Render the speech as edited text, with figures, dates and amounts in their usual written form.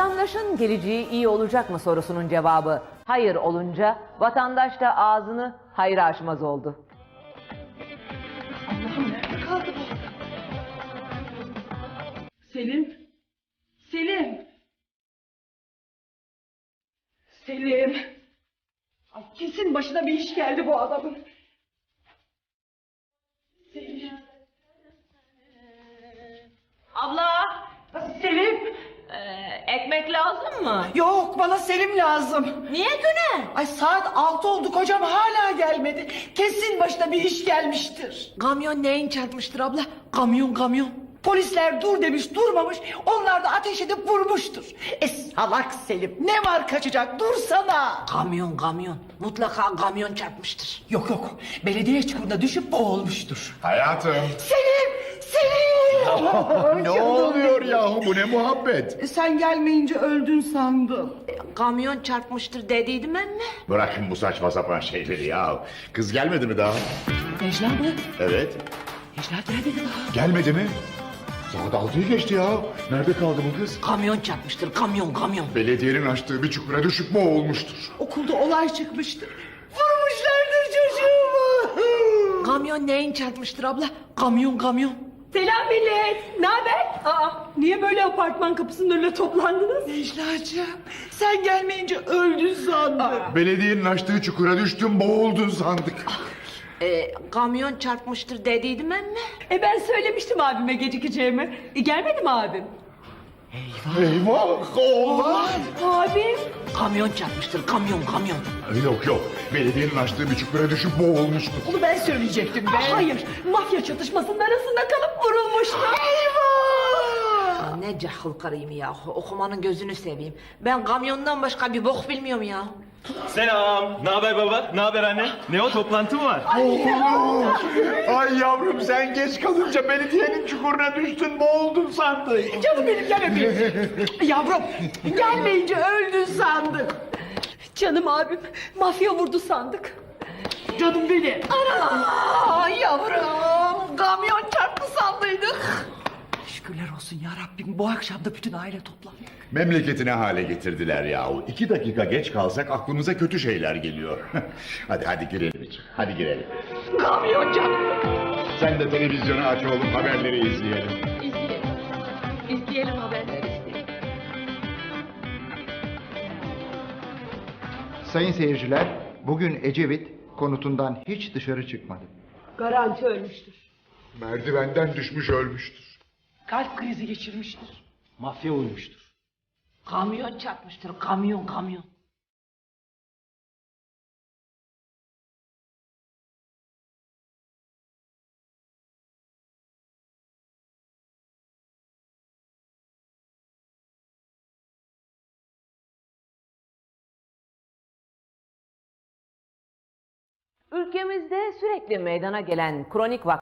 Vatandaşın geleceği iyi olacak mı sorusunun cevabı hayır olunca vatandaş da ağzını hayra açmaz oldu. Allah'ım nerede kaldı bu? Selim? Selim? Selim? Ay kesin başına bir iş geldi bu adamın. Selim? Abla! Selim? Ekmek lazım mı? Yok, bana Selim lazım. Niye güne? Ay saat 6 oldu, kocam hala gelmedi. Kesin başına bir iş gelmiştir. Kamyon neyin çarpmıştır abla? Kamyon. Polisler dur demiş, durmamış. Onlar da ateş edip vurmuştur. Salak Selim, ne var kaçacak, dursana. Kamyon. Mutlaka kamyon çarpmıştır. Yok, belediye çukuruna düşüp boğulmuştur. Hayatım. Selim! Ne oluyor yahu, bu ne muhabbet? Sen gelmeyince öldün sandım. Kamyon çarpmıştır dediydim ben mi? Bırakın bu saçma sapan şeyleri ya. Kız gelmedi mi daha? Necla mı? Evet. Necla gelmedi daha. Gelmedi mi? Saat 6'yı geçti ya. Nerede kaldı bu kız? Kamyon çarpmıştır, kamyon. Belediyenin açtığı bir çukura düşüp boğulmuştur. Okulda olay çıkmıştır. Vurmuşlardır çocuğumu. Kamyon neyin çarpmıştır abla? Kamyon. Selam millet. Ne haber? Niye böyle apartman kapısının önüne toplandınız? Necla'cığım, sen gelmeyince öldün sandım. Belediyenin açtığı çukura düştün, boğuldun sandık. Kamyon çarpmıştır dediydim ben mi? Ben söylemiştim abime gecikeceğimi. Gelmedi mi abim? Eyvah, olmaz. Abim? Kamyon çarpmıştır, kamyon. Yok. Belediyenin açtığı bir çukura düşüp boğulmuştur. Onu ben söyleyecektim ben. Hayır, mafya çatışmasının arasında kalıp vurulmuştu. Eyvah! Ne cahil karıyım ya. Okumanın gözünü seveyim. Ben kamyondan başka bir bok bilmiyorum ya. Selam. Ne haber baba? Ne haber anne? Ne o, toplantı mı var? Ay yavrum, sen geç kalınca belediyenin çukuruna düştün, boğuldun sandık. Canım benim, gel öpeyim. Yavrum, gelmeyince öldün sandık. Canım abim, mafya vurdu sandık. Canım benim. Ana yavrum, kamyon çarptı sandıydık. Şükürler olsun ya Rabbim, bu akşam da bütün aile toplandık. Memleketi ne hale getirdiler yahu. 2 dakika geç kalsak aklımıza kötü şeyler geliyor. hadi girelim. Hadi girelim. Kamyon çarptı. Sen de televizyonu aç oğlum, haberleri izleyelim. İzleyelim haberleri. Sayın seyirciler, bugün Ecevit konutundan hiç dışarı çıkmadı. Garanti ölmüştür. Merdivenden düşmüş ölmüştür. Kalp krizi geçirmiştir. Mafya uymuştur. Kamyon çarpmıştır, kamyon. Ülkemizde sürekli meydana gelen kronik